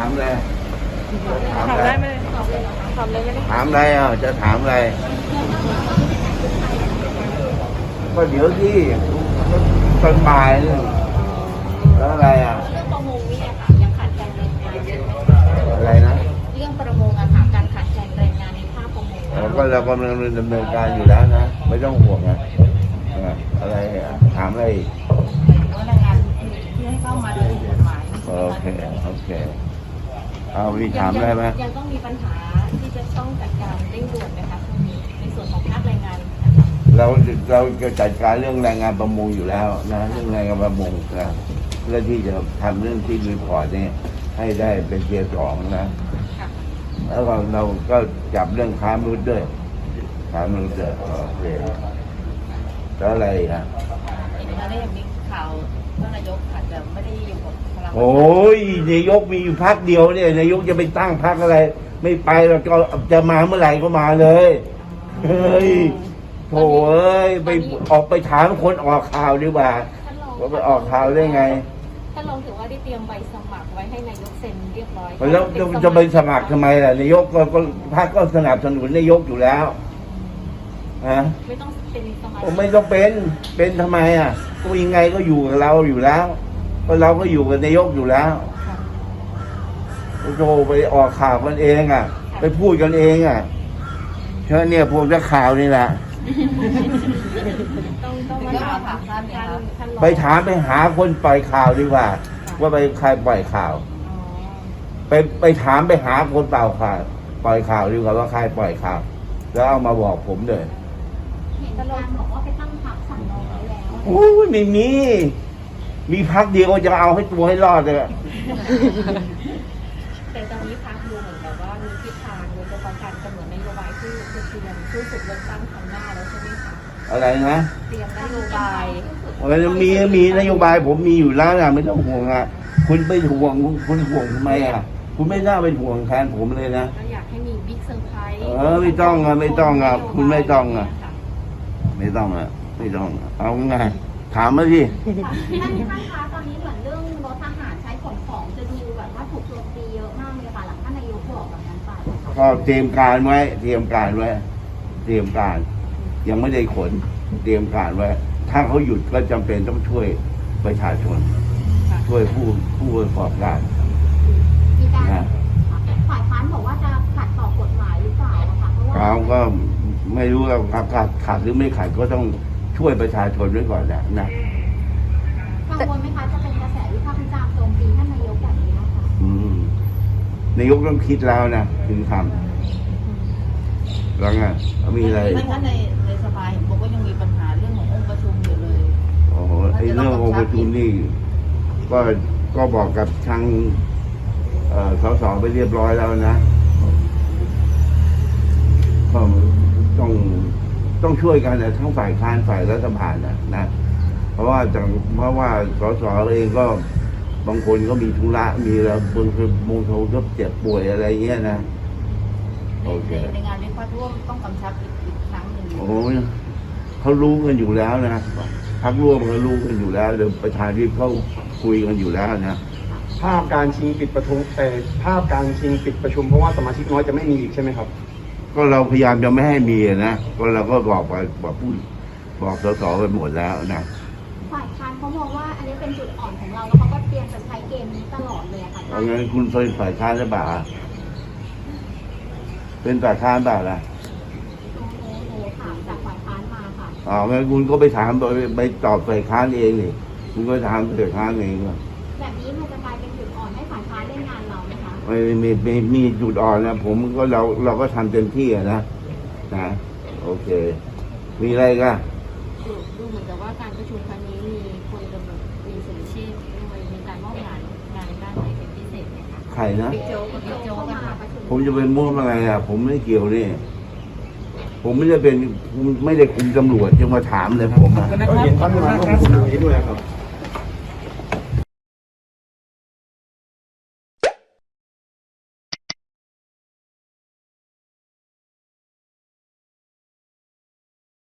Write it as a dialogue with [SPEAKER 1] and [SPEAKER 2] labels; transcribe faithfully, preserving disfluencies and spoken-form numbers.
[SPEAKER 1] ามอะไร
[SPEAKER 2] ถามได้ไหมถามเลยไม่ได้
[SPEAKER 1] ถามอะไรอ่ะจะถามอะไรก็เดี๋ยวที่ตอนบ่ายเนี่ยแล้วอะไรอ่ะ
[SPEAKER 3] เรื่องประมงนี่อะค่ะยังขาดแคลนแรงงานเยอะ
[SPEAKER 1] อะไรนะ
[SPEAKER 3] เรื่องประมงอะค่ะการขาดแคลนแรงงานในภาคประมง
[SPEAKER 1] เราก็เรากำลังดำเนินการอยู่แล้วนะไม่ต้องห่วงนะอ่ะอะไรอ่ะถามอะไรอีก
[SPEAKER 3] ว่าแรงงานที่ให้เข้ามาโดยผิดกฎหมาย
[SPEAKER 1] โอเคโอเคเอามีถามอะไรไหม
[SPEAKER 3] ยังต้องมีปัญหาที่จะต้องจัดการเร่งด่วนไหมคะตรงนี้ในส่วนของภาคแรงงาน
[SPEAKER 1] เราเราจะจัดการเรื่องแรงงานประมงอยู่แล้วนะเรื่องแรงงานประมงนะเพื่อที่จะทำเรื่องที่รีพอร์ตเนี่ยให้ได้เป็นเทียร์สองนะแล้วเราเราก็จับเรื่องค้ามนุษย์ด้วยค้ามนุษย์ด้วยโอเคแล้วอะไรอีกอ่ะ
[SPEAKER 3] เห็นแล้วได้ยังมีข่าวว่านายกอาจจะไม่ได้อยู่กับพลัง
[SPEAKER 1] โอ้ยนายกมีอยู่พักเดียวเนี่ยนายกจะไปตั้งพักอะไร ไม่ไปเราก็จะมาเมื่อไหร่ก็มาเลยเฮ้ยโถ่เอ้ยไปออกไปถามคนออกข่าวดีกว่าว่าไปออกข่าวได้ไง
[SPEAKER 3] ท่านรองถือว่าได้เตรียมใบสมัครไว้ให้นายกเซ็นเรียบร้อย
[SPEAKER 1] แล้วจะจะไปสมัครทำไมล่ะนายกก็ก็พรรคก็สนับสนุนนายกอยู่แล้วฮะ
[SPEAKER 3] ไม่ต้องเป็นสมา
[SPEAKER 1] ผ
[SPEAKER 3] ชิ
[SPEAKER 1] ม
[SPEAKER 3] ก
[SPEAKER 1] ไม่ต้องเป็นเป็นทำไมอ่ะก็ยังไงก็อยู่กับเราอยู่แล้วเพราะเราก็อยู่กับนายกอยู่แล้วโธ่ไปออกข่าวกันเองอ่ะ ไปพูดกันเองอ่ะเชื่อเนี่ยพวกนักข่าวนี่แหละ
[SPEAKER 3] ต้องต้องมาถามท่านท่านท่านรอง
[SPEAKER 1] ไปถามไปหาคนปล่อยข่าวดีกว่า ว่าไปใครปล่อยข่าว
[SPEAKER 3] อ๋อ
[SPEAKER 1] ไปไปถามไปหาคนเปล่าข่าวปล่อยข่าวดีกว่าว่าใครปล่อยข่าว แล้วเอามาบอกผมเลย
[SPEAKER 3] เห็นท่านรองบอกว่าไปตั้งพรรคสำรองไว้แล้ว
[SPEAKER 1] โอ้ยไม่มี มีพักเดียวจะเอาให้ตัวให้รอดเลยอะ
[SPEAKER 3] แต่ตอนนี้พรรคดูเหมือนกับว่ามีทิศทางโดยเฉพาะการกำหนดนโยบายที่จะเตรียมสู้ศึกเลือกตั้งครั้งหน้าแล้วใช่ไหมคะ
[SPEAKER 1] อะไรนะ
[SPEAKER 3] เตรียมนโยบาย
[SPEAKER 1] มันมีมีนโยบายผมมีอยู่แล้วนะไม่ต้องห่วงอ่ะคุณไปห่วงคุณห่วงทำไมอ่ะ คุณไม่น่าเป็นห่วงแทนผมเลยนะ
[SPEAKER 3] ก็อยากให้มีบิ๊กเซอร์ไพรส์
[SPEAKER 1] เออไม่ต้องอ่ะไม่ต้องอ่ะคุณไม่ต้องอ่ะ ไม่ต้องอ่ะไม่ต้องอ่ะเอาไงถามมาสิ
[SPEAKER 4] ท่านท่านคะตอนนี้เหมือนเรื่องรถทหารใช้ขนของจะดูแบบว่าถูกโจมตีเยอะมากเลยค่ะหลังท่านนายกบอกแบบนั้นไป
[SPEAKER 1] ก็เตรียมการไว้ เตรียมการไว้ เตรียมการ ยังไม่ได้ขน เตรียมการไว้ ถ้าเขาหยุดก็จำเป็นต้องช่วยประชาชน ช่วยผู้ผู้ประกอบการ
[SPEAKER 4] มีการ
[SPEAKER 1] นะ
[SPEAKER 4] ฝ่ายค้านบอกว่าจะขัดต่อกฎหมายหรือเปล่าอะคะเพราะว่า
[SPEAKER 1] เราก็ไม่รู้ว่าขาดขาดหรือไม่ขาดก็ต้องช่วยประชาชนไว้ก่อนแหละนะ
[SPEAKER 4] กังวลไหมคะจะเป็นกระแสวิพากษ์วิจารณ์โจมตีท่านนายกแบบนี้นะคะ
[SPEAKER 1] อืมนายกต้องคิดแล้วนะถึงทำแล้วไงมีอะไร
[SPEAKER 5] ท่านคะในในสภาเห็นบอกว่ายังมีปัญหาเรื่องขององค์ประชุมอยู่เลย
[SPEAKER 1] โอ้โหไอ้เรื่ององค์ประชุมนี่ก็ก็บอกกับทางเอ่อสสไปเรียบร้อยแล้วนะก็ต้องต้องช่วยกันนะทั้งฝ่ายค้านฝ่ายรัฐบาลนะนะเพราะว่าจากเพราะว่าสสเองก็บางคนก็มีธุระมีแล้วบางคนบางคนก็เจ็บป่วยอะไรเงี้ยนะโอเค
[SPEAKER 5] ในในงานเลี้ยงพักร่วมต้องกำชับอีกอีกครั้งหนึ่ง
[SPEAKER 1] โอ้ยเขารู้กันอยู่แล้วนะพักร่วมเขารู้กันอยู่แล้วเดี๋ยวประชาธิปเขาคุยกันอยู่แล้วนะ
[SPEAKER 6] ภาพการชิงปิดประชุมแต่ภาพการชิงปิดประชุมเพราะว่าสมาชิกน้อยจะไม่มีอีกใช่ไหมครับ
[SPEAKER 1] ก็เราพยายามจะไม่ให้มีนะก็เราก็บอกไปบอกผู้บอกสสไปหมดแล้วนะ
[SPEAKER 4] ฝ่ายค้านเขามองว่าอันนี้เป็นจุดอ่อนของเราแล้วเขาก็เตรียมจะใช้เกมนี้ตลอดเลยอะค่ะ
[SPEAKER 1] เอางั้นคุณเป็นฝ่ายค้านหรือเปล่าเป็นฝ่ายค้านเปล่าล่ะ
[SPEAKER 4] โอ้โหโอ้โหถามจากฝ่ายค้านมาค่ะ
[SPEAKER 1] อ๋องั้นคุณก็ไปถามไปไปตอบฝ่ายค้านเองนี่คุณก็ถามฝ่ายค้านเองว่า
[SPEAKER 4] แบบนี้มันจะกลายเป็นจุดอ่อนให้ฝ่ายค้านเล่นงานเราไหมคะ
[SPEAKER 1] ไม่มีมีมีจุดอ่อนนะผมก็เราเราก็ทำเต็มที่อะนะนะโอเค มีอะไรกัน
[SPEAKER 3] ดูดูเหมือนกับว่าการประชุมครั้งนี้มีคนกำหนดมีสุริชีพด้วยมีการมอบงานงานด้านไหนเป็นพิเศษไหมคะ
[SPEAKER 1] ใครนะ
[SPEAKER 3] บิ๊กโจ๊กกับบิ๊กโจ๊กกันค่ะ
[SPEAKER 1] ผมจะเป็นม่วงอะไรอ่ะ ผมไม่เกี่ยวนี่ผมไม่ได้เป็นไม่ได้คุมตำรวจจะมาถามเลยผมอ่ะ
[SPEAKER 6] ก็เห็นท่านมาร่วมประชุมนี้ด้วยครับ